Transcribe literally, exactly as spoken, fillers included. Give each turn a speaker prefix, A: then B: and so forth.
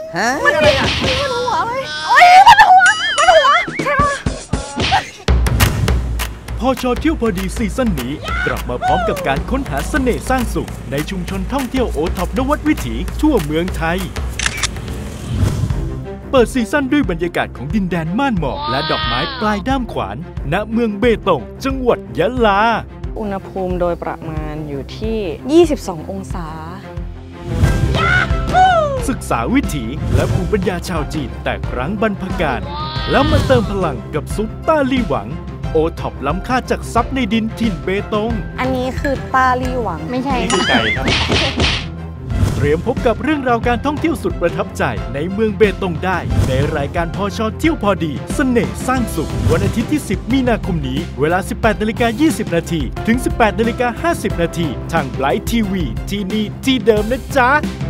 A: ฮะ
B: มันอะไรอ่ะมันหัวอะไรโอ้ยมันหัวมันหัวใช่ปะ
C: พอชอเที่ยวพอดีซีซั่นนี้กลับมาพร้อมกับการค้นหาเสน่ห์สร้างสุขในชุมชนท่องเที่ยวโอท็อปนวัดวิถีทั่วเมืองไทยเปิดซีซั่นด้วยบรรยากาศของดินแดนม่านหมอกและดอกไม้ปลายด้ามขวานณเมืองเบตงจังหวัดยะลา
B: อุณหภูมิโดยประมาณอยู่ที่ยี่สิบสององศา
C: ศึกษาวิถีและภูมิปัญญาชาวจีนแต่ครั้งบรรพกาลแล้วมาเติมพลังกับซุปต้าลี่หวังโอท็อปล้ำค่าจากซับในดินถิ่นเบตง
B: อันนี้คือต้าลี่หวังไม่ใช่
C: นี่คือไก่ครับเตรียมพบกับเรื่องราวการท่องเที่ยวสุดประทับใจในเมืองเบตงได้ในรายการพอชอเที่ยวพอดีเสน่ห์สร้างสุขวันอาทิตย์ที่สิบมีนาคมนี้เวลา สิบแปดนาฬิกายี่สิบนาทีถึง สิบแปดนาฬิกาห้าสิบนาทีทางไลฟ์ทีวีที่นี่ที่เดิมนะจ๊ะ